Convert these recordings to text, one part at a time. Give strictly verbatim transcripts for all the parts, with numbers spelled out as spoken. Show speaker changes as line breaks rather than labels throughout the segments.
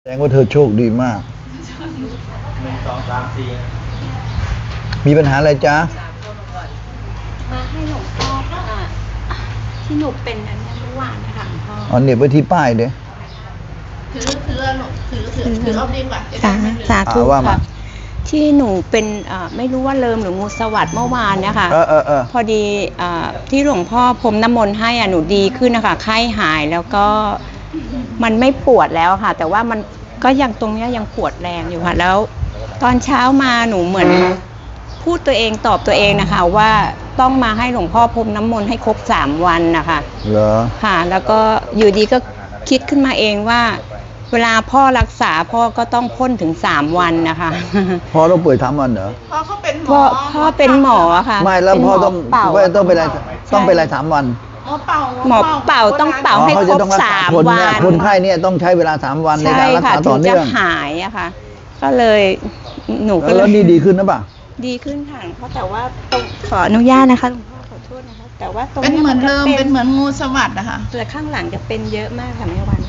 แสดงว่าเธอโชคดีมากหนึ่งสองสามสี่มีปัญหาอะไรจ๊ะ
มาให้หลวงพ่อค่ะที่หนูเป็นอันนี้เมื่อวานนะคะหลวงพ่อ
อ๋อเนี่ยไว้ที่ป้ายเด้
ถือถือหนูถือถือถือเอาดีกว่า
สาสาธุค่ะที่หนูเป็นไม่รู้ว่าเลิมหรืองูสวัสด์เมื่อวานเนี่ยค่ะ
เออเออเออ
พอดีที่หลวงพ่อพรมน้ำมนต์ให้อ่ะหนูดีขึ้นนะคะไข้หายแล้วก็มันไม่ปวดแล้วค่ะแต่ว่ามันก็ยังตรงนี้ยังปวดแรงอยู่ค่ะแล้วตอนเช้ามาหนูเหมือนพูดตัวเองตอบตัวเองนะคะว่าต้องมาให้หลวงพ่อพรมน้ำมนต์ให้ครบสามวันนะคะ
เหรอ
ค่ะแล้วก็อยู่ดีก็คิดขึ้นมาเองว่าเวลาพ่อรักษาพ่อก็ต้องพ่นถึงสามวันนะคะ
พ่อต้องป่วยสามวันเหรอ
พ่อเขาเป็นหมอ
พ่อพ่อเป็นหมอค่ะ
ไม่แล้วพ่อต้องต้องเป็นอะไรต้องเป็นอะไรสามวัน
หมอเป่า
หมอเป่าต้องเป่าให้ครบสามวัน
คนไข้เนี่ยต้องใช้เวลาสามวันในการรักษาต่อเนื่อง
หายอะค่ะก็เลยหนูก็
แล้วนี่ดีขึ้นนะป่ะ
ดีขึ้นค่ะเพราะแต่ว่าตรงขออนุญาตนะคะหลวงพ่อขอโทษนะคะแต่ว่าตรง
เป็นเหมือนเริ่มเป็นเหมือนงูสวัสด์นะคะ
แต่ข้างหลังจะเป็นเยอะมากค่ะแม่วัน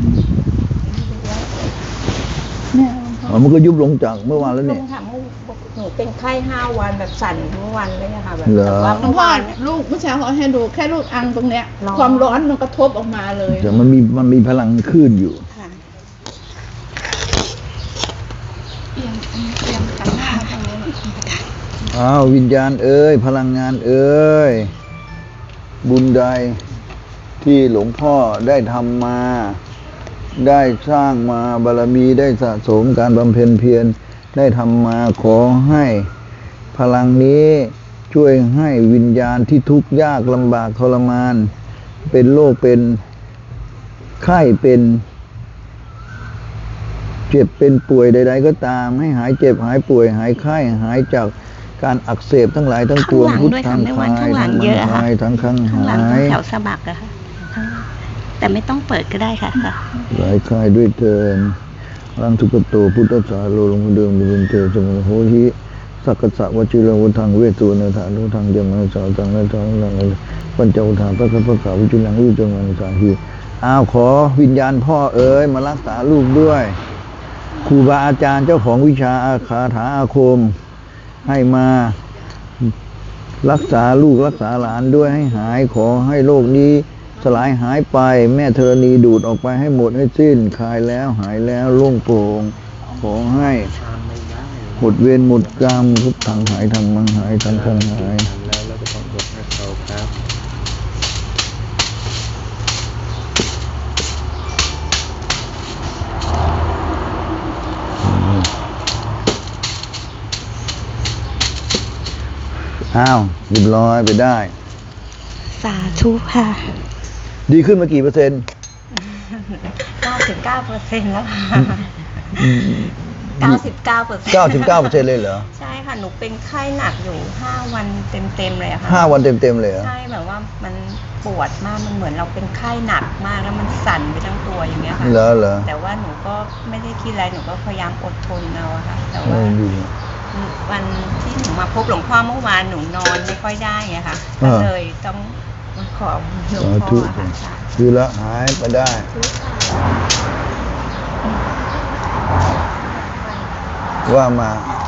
เนี่ยมันก็ยุบลงจากเมื่อวานแล้วเนี่ย
หนูเป็นไข้ห้าวันแบบสั่นเมื่อวันเลยนะคะแบบ
แต่
ว่าเมื่อวานลูกเมื่อเช้าเขาให้ดูแค่ลูกอังตรงเนี้ยความร้อนมันกระทบออกมาเลย
แต่มันมีมันมีพลังขึ้นอยู่
เอียงเอียงกันหน้าตรงนี้
อ้าววิญญาณเอ้ยพลังงานเอ้ยบุญใดที่หลวงพ่อได้ทำมาได้สร้างมาบารมีได้สะสมการบำเพ็ญเพียรได้ทำมาขอให้พลังนี้ช่วยให้วิญญาณที่ทุกข์ยากลำบากทรมานเป็นโรคเป็นไข้เป็นเจ็บเป็นป่วยใดๆก็ตามให้หายเจ็บหายป่วยหายไข้หายจากการอักเสบทั้งหลายทั้งปวง
พุทธังคายทั้งมันหาย
ทั้งข้างหาย
แถวสะบักอะค่ะแต่ไม่ต้องเปิดก็ได้ค่ะ
หลายคายด้วยเทินรังทุกโตพุทธสาโลลงเดิมบุญเตสมุโหหิสักกะสะวจิรวุธังเวสุนธานุทังยมสาวตังนาทังนังปัญจอุทานพระคัมภีร์วิจุลังวิจุลังสาหีอ้าวขอวิญญาณพ่อเอ๋ยมารักษาลูกด้วยครูบาอาจารย์เจ้าของวิชาอาคาถาอาคมให้มารักษาลูกรักษาหลานด้วยให้หายขอให้โรคนี้สลายหายไปแม่ธรณีดูดออกไปให้หมดให้สิ้นคลายแล้วหายแล้วโล่งโปร่งขอให้หมดเวรหมดกรรมทุกทางหายทางมังหายทางทางหายแล้วแล้วก็ต้องยกให้เขาครับอ้าวเรียบร้อยไปได้
สาธุค่ะ
ดีขึ้นมากี่เปอร์เซ็นต์
เก้าสิบเก้าเปอร์เซ็นต์แล้วค่ะเก้าสิบเก้าเปอร์เซ็นต์
เก้าสิบเก้าเปอร์เซ็นต์เลยเหรอ
ใช่ค่ะหนูเป็นไข้หนักอยู่ห้าวันเต็มๆเลยค่ะ
ห้าวันเต็มๆเลยเหรอ
ใช่แบบว่ามันปวดมากมันเหมือนเราเป็นไข้หนักมากแล้วมันสั่นไปทั้งตัวอย่างเงี้ยค่ะ
เหรอเหรอ
แต่ว่าหนูก็ไม่ได้คิดอะไรหนูก็พยายามอดทนเอาค่ะแต่ว่าวันที่หนูมาพบหลวงพ่อเมื่อวานหนูนอนไม่ค่อยได้ไงค่ะก็เลยต้องมาขอหลวงพ่อค่ะ
คือละหายไปได้ว่ามา